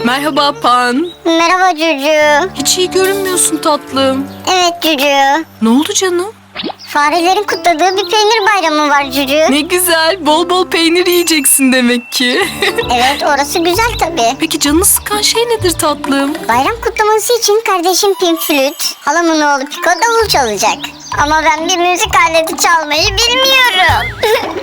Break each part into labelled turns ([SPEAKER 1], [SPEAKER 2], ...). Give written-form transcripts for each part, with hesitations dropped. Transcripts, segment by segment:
[SPEAKER 1] Merhaba Pan.
[SPEAKER 2] Merhaba Cucu.
[SPEAKER 1] Hiç iyi görünmüyorsun tatlım.
[SPEAKER 2] Evet Cucu.
[SPEAKER 1] Ne oldu canım?
[SPEAKER 2] Farelerin kutladığı bir peynir bayramı var Cucu.
[SPEAKER 1] Ne güzel. Bol bol peynir yiyeceksin demek ki.
[SPEAKER 2] Evet, orası güzel tabii.
[SPEAKER 1] Peki canını sıkan şey nedir tatlım?
[SPEAKER 2] Bayram kutlaması için kardeşim Pim flüt, halamın oğlu Piko davul çalacak. Ama ben bir müzik aleti çalmayı bilmiyorum.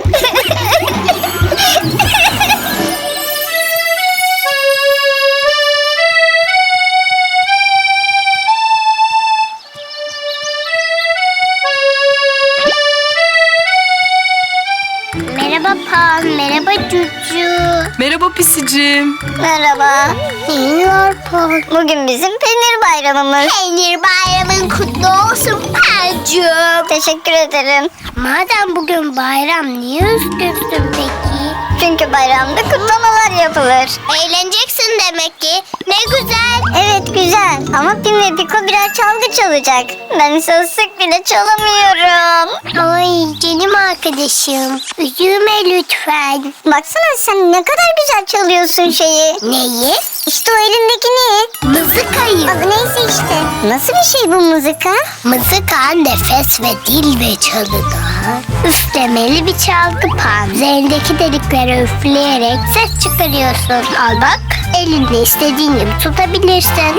[SPEAKER 2] Merhaba Pan, merhaba Cucu.
[SPEAKER 1] Merhaba pisicim.
[SPEAKER 2] Merhaba. İyi var Pan. Bugün bizim peynir bayramımız. Peynir bayramın kutlu olsun Pancığım. Teşekkür ederim. Madem bugün bayram niye üzgünsün peki? Çünkü bayramda kutlamalar yapılır. Eğleneceksin demek ki. Ne güzel. Evet güzel ama Pim ve Piko birer çalgı çalacak. Ben sözlük bile çalamıyorum. Ay canım arkadaşım. Üzülme lütfen. Baksana sen ne kadar güzel çalıyorsun şeyi. Neyi? İşte o elindeki ne? Mızıkayı. Neyse işte. Nasıl bir şey bu mızıka? Mızıka nefes ve dil ve çalıda üflemeli bir çalgı Pan. Üzerindeki deliklere üfleyerek ses çıkarıyorsun. Al bak, elinde istediğin gibi tutabilirsin.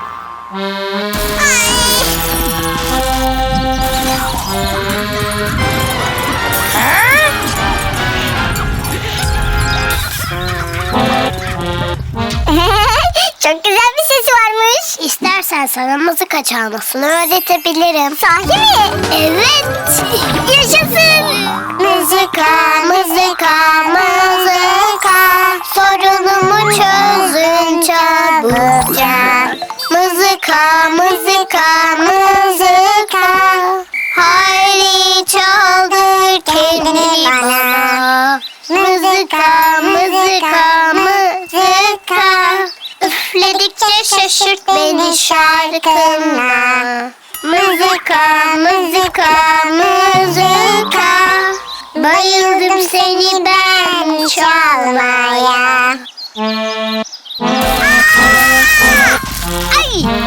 [SPEAKER 2] Çok güzel bir sesi varmış. İstersen sana mızıka çalmasını öğretebilirim. Sahi mi? Evet. Yaşasın. Mızıka, mızıka, mızıka. Sorunumu çözün çabukça. Mızıka, mızıka, mızıka. Hayri çaldır kendini bana. Mızıka, mızıka, mızıka. Üfledikçe şaşırt beni şarkınla. Mızıka, mızıka, mızıka. Bayıldım seni ben çalmaya. Ay!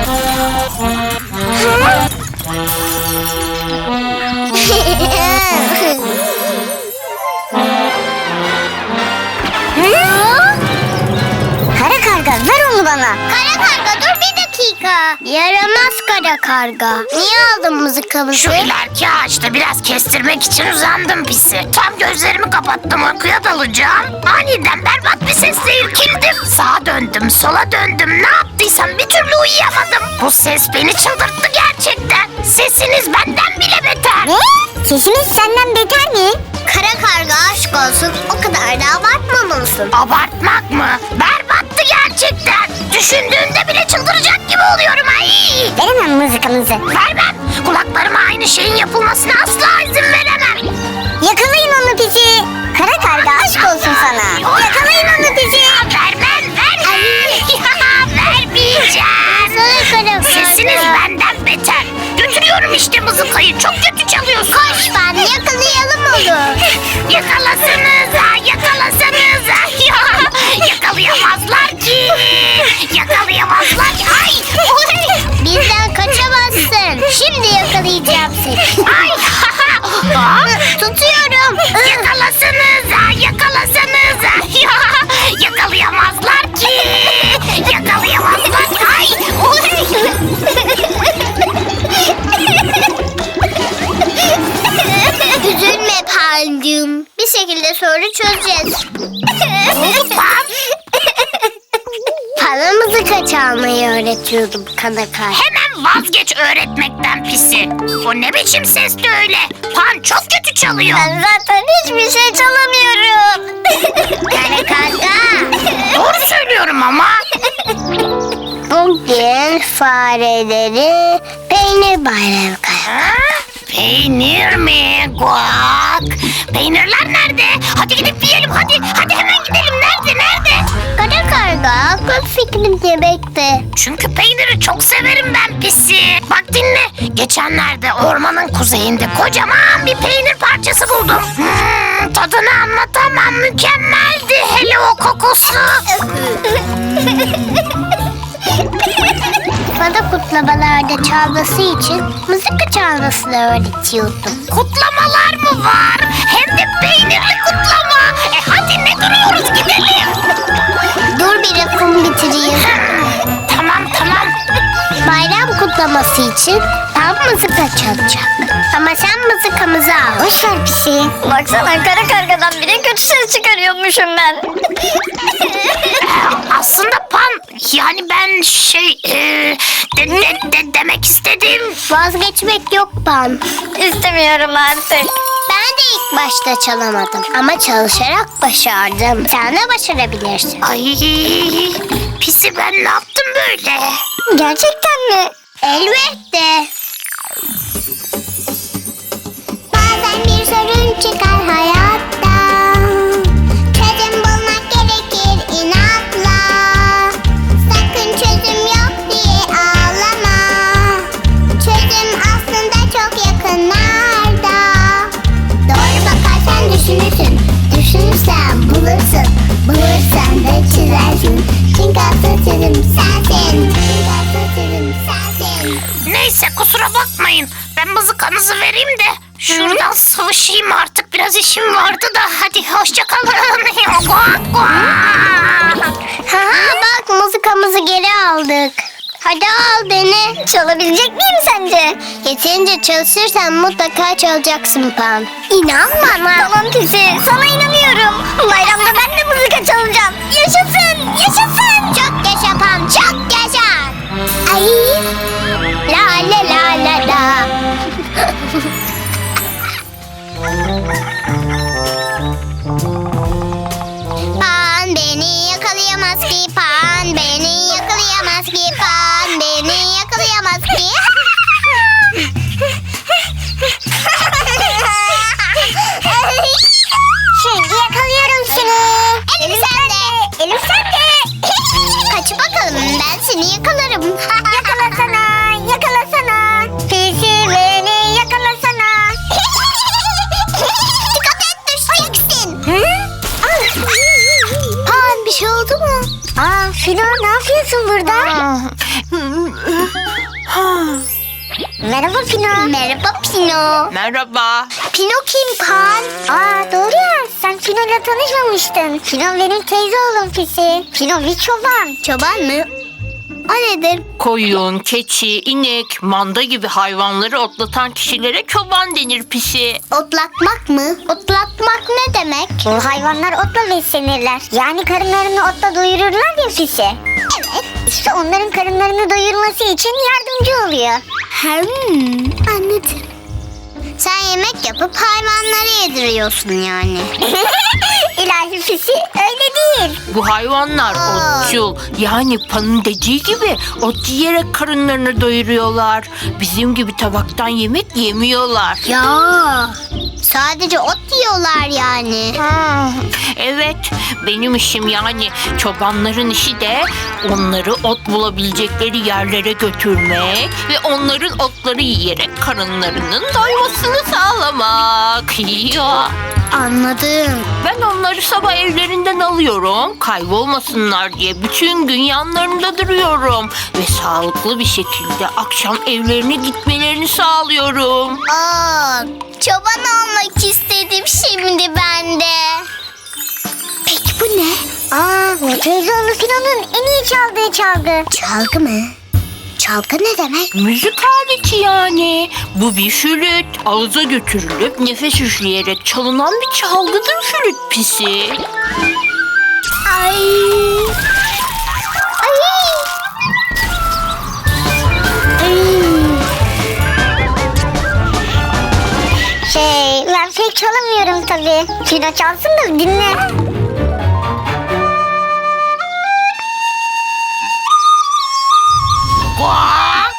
[SPEAKER 2] Kara karga ver onu bana. Kara karga dur bir dakika. Yaramaz kara karga. Niye aldın mızıkamızı?
[SPEAKER 3] Şu ileriki ağaçta biraz kestirmek için uzandım pisi. Tam gözlerimi kapattım uykuya dalacağım. Aniden berbat bir sesle irkildim. Sağa döndüm, sola döndüm. Ne yaptıysam bir türlü uyuyamadım. Bu ses beni çıldırttı gerçekten. Sesiniz benden bile beter.
[SPEAKER 2] Ne? Sesimiz senden beter mi? Kara karga aşk olsun. O kadar da abartmamalısın.
[SPEAKER 3] Abartmak mı? Berbattı gerçekten. Düşündüğümde bile çıldıracak gibi oluyorum. Ay!
[SPEAKER 2] Veremem mızıkamızı.
[SPEAKER 3] Vermem. Kulaklarıma aynı şeyin yapılmasına asla izin veremem.
[SPEAKER 2] Yakalayın onu pisi. Kara karga aşk olsun sana. Yakalayın onu pisi.
[SPEAKER 3] Vermem, vermeyeceğim. Sesiniz benden beter. Götürüyorum işte mızıkayı. Çok kötü çalıyorsunuz.
[SPEAKER 2] Koş ben yakalayalım onu.
[SPEAKER 3] Yakalasanıza, yakalasanıza. Yakalayamazlar ki. Yakalayamazlar ki. Ay!
[SPEAKER 2] Bizden kaçamazsın. Şimdi yakalayacağım seni.
[SPEAKER 3] Ay!
[SPEAKER 2] Tutuyorum.
[SPEAKER 3] Yakalasanıza, yakalasanıza. Yakalayamazlar ki. Yakalayamazlar ki. Ay!
[SPEAKER 2] Üzülme Pancığım. Bir şekilde soru çözeceğiz. Bana mızıka çalmayı öğretiyordum Kanakay.
[SPEAKER 3] Hemen vazgeç öğretmekten pisi. O ne biçim sesti öyle? Pan çok kötü çalıyor.
[SPEAKER 2] Ben zaten hiçbir şey çalamıyorum. Kara karga.
[SPEAKER 3] Doğru söylüyorum ama.
[SPEAKER 2] Bugün fareleri peynir bayramı kaya.
[SPEAKER 3] Ha? Peynir mi? Guak. Peynirler nerede? Hadi gidip yiyelim hadi. Hadi hemen gidelim. Nerede?
[SPEAKER 2] Kara karga akıl fikrim yemekte.
[SPEAKER 3] Çünkü peyniri çok severim ben pisi. Bak bak dinle. Geçenlerde ormanın kuzeyinde kocaman bir peynir parçası buldum. Tadını anlatamam, mükemmeldi. Hele o kokusu.
[SPEAKER 2] Bana kutlamalarda çalması için mızıka çalmasını öğretiyordum.
[SPEAKER 3] Kutlamalar mı var? Hem de peynirli kutlama. Hadi ne duruyoruz, gidelim.
[SPEAKER 2] Dur bir lafımı bitireyim.
[SPEAKER 3] Tamam.
[SPEAKER 2] Bayram kutlaması için tam mızıka çalacak. Ama sen mızıkamızı al. Boş ver pisi.
[SPEAKER 1] Baksana kara kargadan bile kötü ses çıkarıyormuşum ben.
[SPEAKER 3] Aslında Pan, yani ben demek istedim.
[SPEAKER 2] Vazgeçmek yok Pan.
[SPEAKER 1] İstemiyorum artık.
[SPEAKER 2] Ben de ilk başta çalamadım. Ama çalışarak başardım. Sen de başarabilirsin.
[SPEAKER 3] Ay, pisi ben ne yaptım böyle?
[SPEAKER 2] Gerçekten mi? Elbette. Bazen bir sorun çıkar hayatta. Çözüm bulmak gerekir inatla. Sakın çözüm yok diye ağlama. Çözüm aslında çok yakınlarda. Doğru bakarsan düşünürsün. Düşünürsen bulursun. Bulursan da çizersin. Çünkü asıl çözüm sensin. Çünkü asıl çözüm sensin.
[SPEAKER 3] Neyse kusura bakmayın. Ben mızıkanızı vereyim de şuradan sıvışayım artık. Biraz işim vardı da hadi hoşçakalın.
[SPEAKER 2] Ha bak mızıkamızı geri aldık. Hadi al dene. Çalabilecek miyim sence? Yeterince çalışırsan mutlaka çalacaksın Pan. İnan bana.
[SPEAKER 1] Tamam Pisi, sana inanıyorum. Bayramda ben de mızıka çalacağım. Yaşasın, yaşasın.
[SPEAKER 2] Çok yaşa Pan, çok yaşa. Ay. La la la la la. Pan beni yakalayamaz ki, Pan beni yakalayamaz ki, Pan beni yakalayamaz ki. Şimdi yakalıyorum seni. Elim sende. Elim sende. Kaç bakalım, ben seni yakalarım. Yakalasana, yakalasana. Pisi beni yakalasana. Dikkat et, düşeceksin. Pan bir şey oldu mu? Filo ne yapıyorsun burada? Merhaba Pino. Merhaba Pino.
[SPEAKER 1] Merhaba.
[SPEAKER 2] Pino kim Pan? Doğru ya, sen Pino'yla tanışmamıştın. Pino benim teyze oğlum Pisi. Pino bir çoban. Çoban mı? O nedir?
[SPEAKER 4] Koyun, keçi, inek, manda gibi hayvanları otlatan kişilere çoban denir Pisi.
[SPEAKER 2] Otlatmak mı? Otlatmak ne demek? Bu hayvanlar otla beslenirler. Yani karınlarını otla doyururlar ya Pisi. Evet. İşte onların karınlarını doyurması için yardımcı oluyor. Anladım. Sen yemek yapıp hayvanlara yediriyorsun yani. İlahi Pisi öyle değil.
[SPEAKER 4] Bu hayvanlar otçul. Yani Pan'ın dediği gibi ot yiyerek karınlarını doyuruyorlar. Bizim gibi tabaktan yemek yemiyorlar.
[SPEAKER 2] Ya sadece ot yiyorlar yani.
[SPEAKER 4] Evet, benim işim yani çobanların işi de onları ot bulabilecekleri yerlere götürmek ve onların otları yiyerek karınlarının doymasını sağlamak. Ya.
[SPEAKER 2] Anladım.
[SPEAKER 4] Ben onları sabah evlerinden alıyorum. Kaybolmasınlar diye bütün gün yanlarında duruyorum. Ve sağlıklı bir şekilde akşam evlerine gitmelerini sağlıyorum.
[SPEAKER 2] Çoban olmak istedim şimdi ben de. Peki bu ne? Teyzeoğlu Filo'nun en iyi çaldığı çalgı. Çalgı mı? Çalgı ne demek?
[SPEAKER 4] Müzik aleti yani. Bu bir flüt. Ağza götürülüp nefes üfleyerek çalınan bir çalgıdır flüt Pisi.
[SPEAKER 2] Ay. Ben pek çalamıyorum tabii. Filo çalsın da dinle.
[SPEAKER 3] Guak.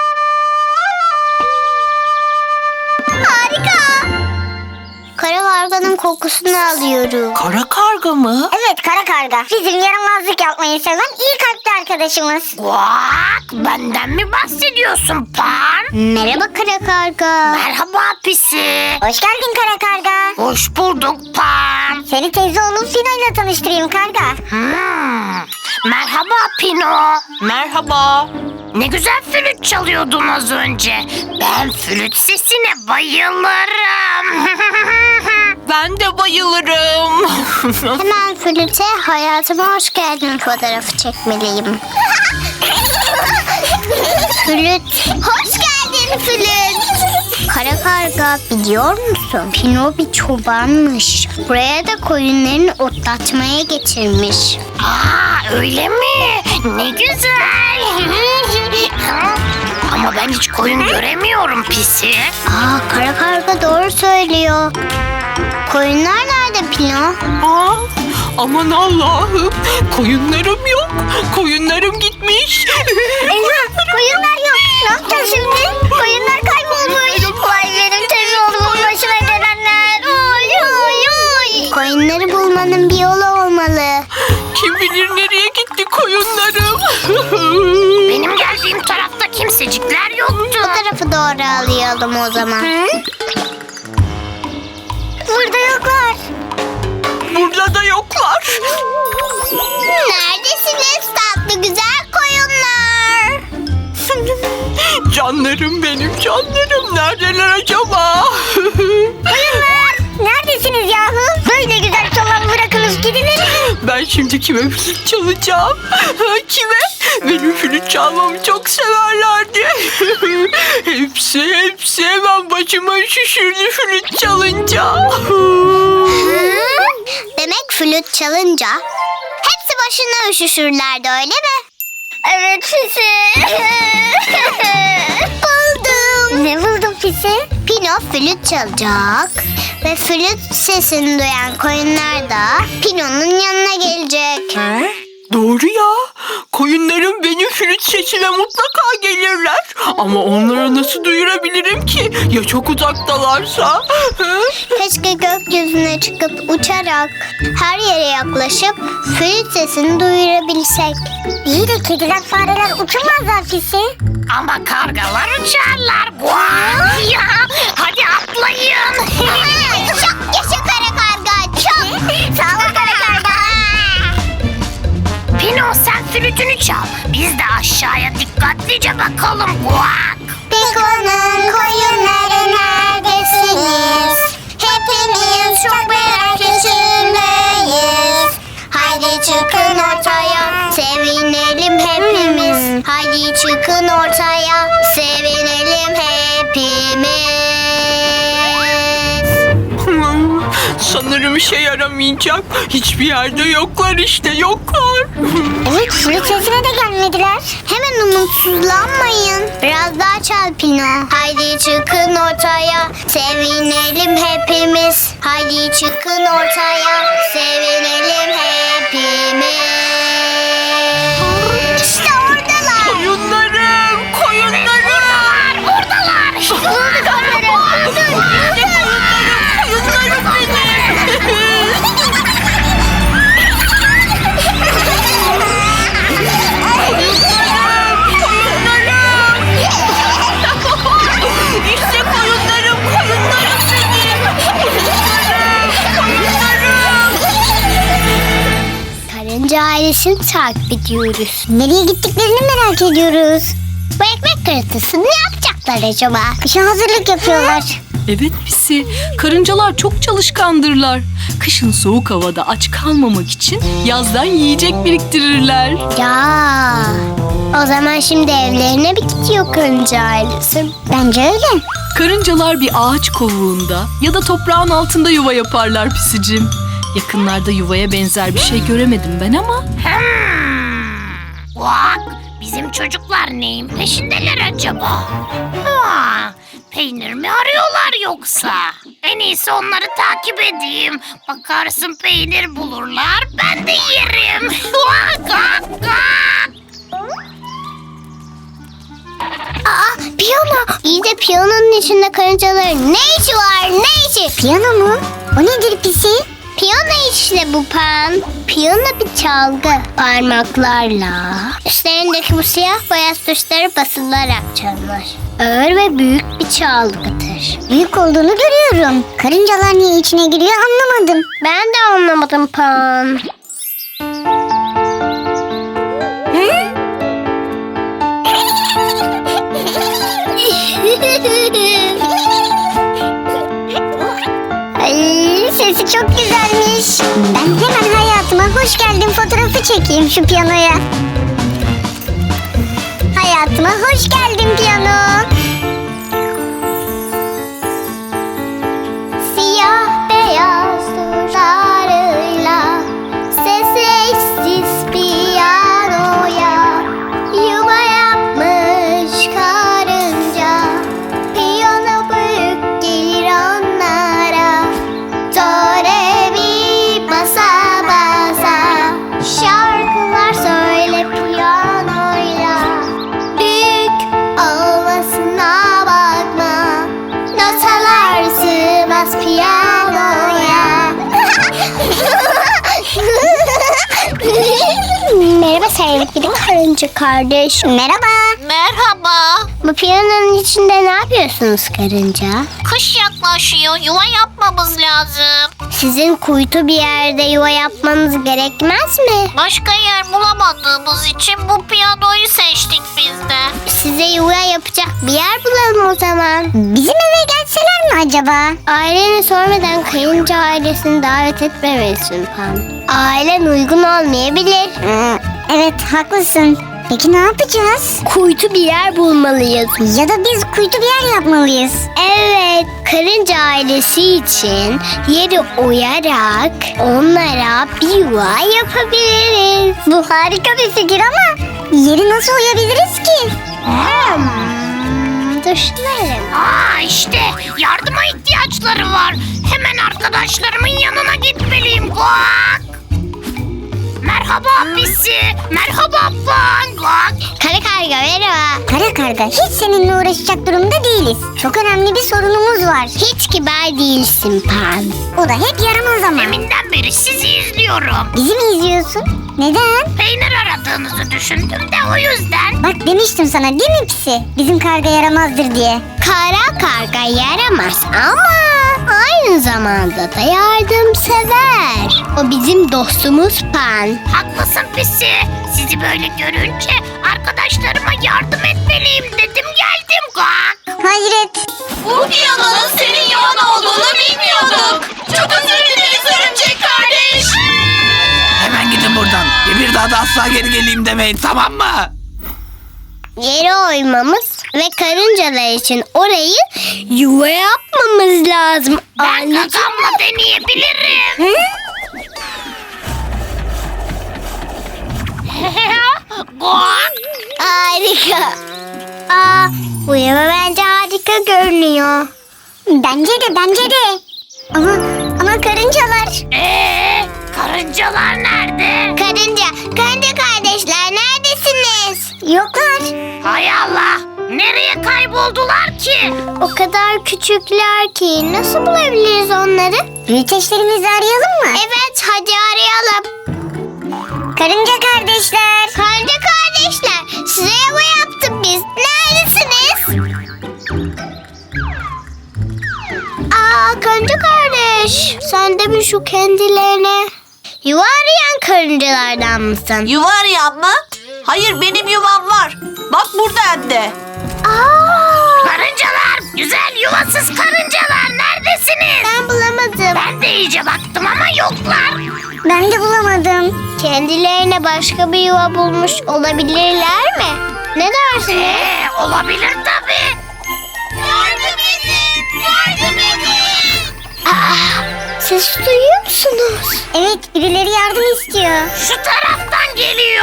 [SPEAKER 2] Harika. Kara karganın kokusunu alıyorum.
[SPEAKER 4] Kara karga mı?
[SPEAKER 2] Evet, kara karga. Bizim yaramazlık yapmayı seven iyi kalpli arkadaşımız.
[SPEAKER 3] Guak, benden mi bahsediyorsun Pan?
[SPEAKER 2] Merhaba kara karga.
[SPEAKER 3] Merhaba Pisi.
[SPEAKER 2] Hoş geldin kara karga.
[SPEAKER 3] Hoş bulduk Pan.
[SPEAKER 2] Seni teyze oğlum Fino ile tanıştırayım karga.
[SPEAKER 3] Merhaba Pino.
[SPEAKER 4] Merhaba.
[SPEAKER 3] Ne güzel flüt çalıyordun az önce. Ben flüt sesine bayılırım.
[SPEAKER 4] Ben de bayılırım.
[SPEAKER 2] Hemen flüte hayatıma hoş geldin fotoğrafı çekmeliyim. Flüt. Hoş geldin flüt. Kara karga, biliyor musun? Pino bir çobanmış. Buraya da koyunlarını otlatmaya getirmiş.
[SPEAKER 3] Aa, öyle mi? Ne güzel. Ama ben hiç koyun göremiyorum Pisi.
[SPEAKER 2] Kara karga doğru söylüyor. Koyunlar nerede Pino?
[SPEAKER 4] Aa, aman Allah'ım. Koyunlarım yok. Koyunlarım gitmiş.
[SPEAKER 2] Eyvah, koyunlar yok. Ne yapacağız şimdi? Koyunlar kaybolmuş. Vay benim teyze oğlumun başına gelenler. Oy oy oy. Koyunları bulmanın bir yolu olmalı.
[SPEAKER 4] Kim bilir nereye gitti koyunlarım.
[SPEAKER 3] Benim geldiğim tarafta kimsecikler yoktu.
[SPEAKER 2] Bu tarafı doğru alayalım o zaman. Burada yoklar.
[SPEAKER 4] Burada da yoklar.
[SPEAKER 2] Neredesiniz tatlı güzel koyunlar?
[SPEAKER 4] Canlarım benim canlarım. Neredeler acaba?
[SPEAKER 2] Koyunlar neredesiniz yahu? Böyle güzel çalan bırakınız gidilir.
[SPEAKER 4] Ben şimdi kime flüt çalacağım? Kime? Benim flüt çalmamı çok severlerdi. hepsi hemen başıma şişirdi flüt çalınca.
[SPEAKER 2] Demek flüt çalınca hepsi başına üşüşürlerdi öyle mi? Evet Fisi. Buldum. Ne buldun Fisi? Pino flüt çalacak ve flüt sesini duyan koyunlar da Pino'nun yanına gelecek.
[SPEAKER 4] Doğru ya. Koyunlarım benim flüt sesime mutlaka gelirler. Ama onlara nasıl duyurabilirim ki? Ya çok uzaktalarsa?
[SPEAKER 2] Keşke gökyüzüne çıkıp uçarak her yere yaklaşıp flüt sesini duyurabilsek. İyi de kediler fareler uçamazlar Fisi.
[SPEAKER 3] Ama kargalar uçarlar. Guak ya. Hadi atlayın.
[SPEAKER 2] Çok yaşa kara karga çok. Sağ ol kara karga.
[SPEAKER 3] Pino sen flütünü çal. Biz de aşağıya dikkatlice bakalım. Guak.
[SPEAKER 2] Piko'nun koyunları neredesiniz? Hepimiz çok merak içindeyiz. Haydi çıkın ortaya, sevinelim hepimiz. Haydi çıkın ortaya, sevinelim hepimiz.
[SPEAKER 4] Sanırım işe yaramayacak. Hiçbir yerde yoklar işte yoklar.
[SPEAKER 2] Evet, flüt sesine de gelmediler. Hemen umutsuzlanmayın. Biraz daha çal Pino. Haydi çıkın ortaya, sevinelim hepimiz. Haydi çıkın ortaya, sevinelim hepimiz. İşte oradalar.
[SPEAKER 4] Koyunlarım, koyunlarım.
[SPEAKER 3] Buradalar.
[SPEAKER 2] Bulduk onları.
[SPEAKER 4] Koyunlarım benim. İşte koyunlarım, koyunlarım benim. Koyunlarım.
[SPEAKER 2] Karınca ailesini takip ediyoruz. Nereye gittiklerini merak ediyoruz. Bu ekmek kırıntısını ne yapacaklar acaba? Kışa hazırlık yapıyorlar.
[SPEAKER 5] Evet Pisi, karıncalar çok çalışkandırlar. Kışın soğuk havada aç kalmamak için yazdan yiyecek biriktirirler.
[SPEAKER 2] Ya, o zaman şimdi evlerine mi gidiyor karınca ailesi? Bence öyle.
[SPEAKER 5] Karıncalar bir ağaç kovuğunda ya da toprağın altında yuva yaparlar Pisicim. Yakınlarda yuvaya benzer bir şey göremedim ben ama.
[SPEAKER 3] Guak. Bizim çocuklar neyin peşindeler acaba? Peynir mi arıyorlar yoksa? En iyisi onları takip edeyim. Bakarsın peynir bulurlar, ben de yerim. Guak, guak, guak.
[SPEAKER 2] Piyano. İyi de piyanonun içinde karıncaların ne işi var? Ne işi? Piyano mu? O nedir pisi? Piyano işte bu Pan. Piyano bir çalgı. Parmaklarla üstlerindeki bu siyah beyaz tuşları basılarak çalınır. Ağır ve büyük bir çalgıdır. Büyük olduğunu görüyorum. Karıncalar niye içine giriyor anlamadım. Ben de anlamadım Pan. Ay, sesi çok güzelmiş. Ben hemen hayatıma hoş geldin fotoğrafı çekeyim şu piyanoya. Hayatıma hoş geldin piyano. Siyah beyaz tuşlarıyla sessiz piyanoya yuva yapmış karınca. Piyano büyük gelir onlara. Do re mi basa basa şarkılar söyle piyanoyla. Büyük olmasına bakma, notalar sığmaz piyanoya. Merhaba sevgili karınca kardeş. Merhaba.
[SPEAKER 3] Merhaba.
[SPEAKER 2] Bu piyanonun içinde ne yapıyorsunuz karınca?
[SPEAKER 3] Kış yaklaşıyor. Yuva yapmamız lazım.
[SPEAKER 2] Sizin kuytu bir yerde yuva yapmanız gerekmez mi?
[SPEAKER 3] Başka yer bulamadığımız için bu piyanoyu seçtik biz de.
[SPEAKER 2] Size yuva yapacak bir yer bulalım o zaman. Bizim eve gelseler mi acaba? Aileni sormadan kayınca ailesini davet etmemelisin Pan. Ailen uygun olmayabilir. Evet haklısın. Peki ne yapacağız? Kuytu bir yer bulmalıyız. Ya da biz kuytu bir yer yapmalıyız. Evet, karınca ailesi için yeri oyarak onlara bir yuva yapabiliriz. Bu harika bir fikir ama yeri nasıl oyabiliriz ki? Düşünelim.
[SPEAKER 3] İşte yardıma ihtiyaçları var. Hemen arkadaşlarımın yanına gitmeliyim. Guak. Merhaba Pisi. Merhaba Pan. Guak.
[SPEAKER 2] Kara karga merhaba. Kara karga hiç seninle uğraşacak durumda değiliz. Çok önemli bir sorunumuz var. Hiç kibar değilsin Pan. O da hep yaramaz ama.
[SPEAKER 3] Deminden beri sizi izliyorum.
[SPEAKER 2] Bizi mi izliyorsun? Neden?
[SPEAKER 3] Peynir aradığınızı düşündüm de o yüzden.
[SPEAKER 2] Bak demiştim sana değil mi Pisi? Bizim karga yaramazdır diye. Kara karga yaramaz ama aynı zamanda da yardımsever. O bizim dostumuz Pan.
[SPEAKER 3] Haklısın Pisi. Sizi böyle görünce arkadaşlarıma yardım etmeliyim dedim geldim. Guak.
[SPEAKER 2] Hayret.
[SPEAKER 5] Bu piyanonun senin yalan olduğunu bilmiyorduk. Çok özür dileriz örümcek kardeş.
[SPEAKER 6] Hemen gidin buradan. Bir daha da asla geri geleyim demeyin, tamam mı?
[SPEAKER 2] Yere oymamız ve karıncalar için orayı yuva yapmamız lazım.
[SPEAKER 3] Ben gagamla deneyebilirim. Guak.
[SPEAKER 2] Harika. Bu yuva bence harika görünüyor. Bence de. Ama karıncalar.
[SPEAKER 3] Karıncalar nerede?
[SPEAKER 2] Karınca kardeşler neredesiniz? Yoklar.
[SPEAKER 3] Hay Allah. Nereye kayboldular ki?
[SPEAKER 2] O kadar küçükler ki nasıl bulabiliriz onları? Büyüteçlerimizi arayalım mı? Evet hadi arayalım. Karınca kardeşler. Size yuva yaptık biz. Neredesiniz? Karınca kardeş. Sen de mi şu kendilerine? Yuva arayan karıncalardan mısın?
[SPEAKER 7] Yuva arayan mı? Hayır benim yuvam var. Bak burada hem de.
[SPEAKER 3] Karıncalar, güzel yuvasız karıncalar neredesiniz?
[SPEAKER 2] Ben bulamadım.
[SPEAKER 3] Ben de iyice baktım ama yoklar.
[SPEAKER 2] Ben de bulamadım. Kendilerine başka bir yuva bulmuş olabilirler mi? Ne dersiniz?
[SPEAKER 3] Olabilir tabii. Yardım edin, yardım edin.
[SPEAKER 2] Ses duyuyor musunuz? Evet, birileri yardım istiyor.
[SPEAKER 3] Şu taraftan geliyor.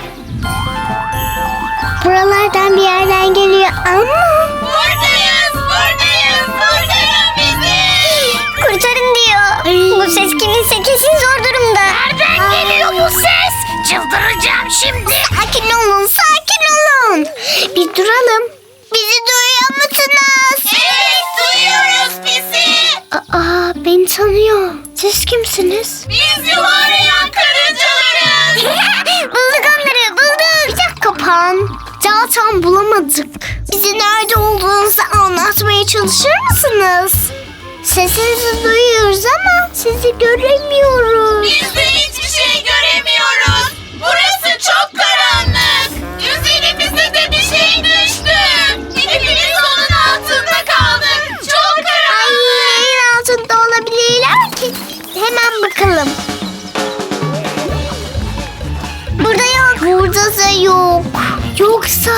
[SPEAKER 2] Buralardan bir yerden geliyor ama...
[SPEAKER 3] Buradayız, kurtarın bizi.
[SPEAKER 2] Kurtarın diyor. Bu ses kiminse kesin zor durumda.
[SPEAKER 3] Nereden geliyor bu ses? Çıldıracağım şimdi.
[SPEAKER 2] Sakin olun. Bir duralım. Bizi duyuyor musunuz?
[SPEAKER 3] Evet, duyuyoruz bizi.
[SPEAKER 2] Beni tanıyor. kimsiniz?
[SPEAKER 3] Biz yuva arayan karıncalarız.
[SPEAKER 2] Bulduk onları, bulduk. Bir dakika Pan. Zaten bulamadık. Bize nerede olduğunuzu anlatmaya çalışır mısınız? Sesinizi duyuyoruz ama sizi göremiyoruz.
[SPEAKER 3] Biz de hiçbir şey göremiyoruz. Burası çok karanlık. Üzerimize de bir şey düştü. Hepimiz onun altında kaldık. Çok
[SPEAKER 2] Ay,
[SPEAKER 3] karanlık.
[SPEAKER 2] yerin altında olabilirler ki. Hemen bakalım. Burada yok. Burada da yok. Yoksa...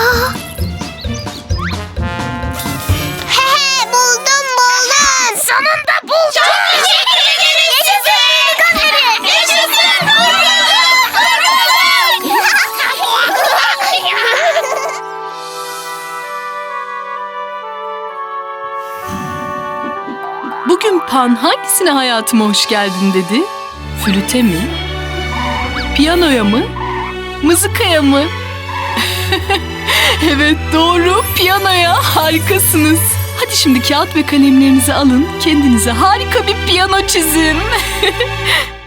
[SPEAKER 2] He buldum.
[SPEAKER 3] Sonunda bulduk. Çok teşekkür ederiz size. Yaşasın.
[SPEAKER 5] Bugün Pan hangisine hayatıma hoş geldin dedi? Flüte mi? Piyanoya mı? Mızıkaya mı? Evet doğru, piyanoya. Harikasınız. Hadi şimdi kağıt ve kalemlerinizi alın, kendinize harika bir piyano çizin.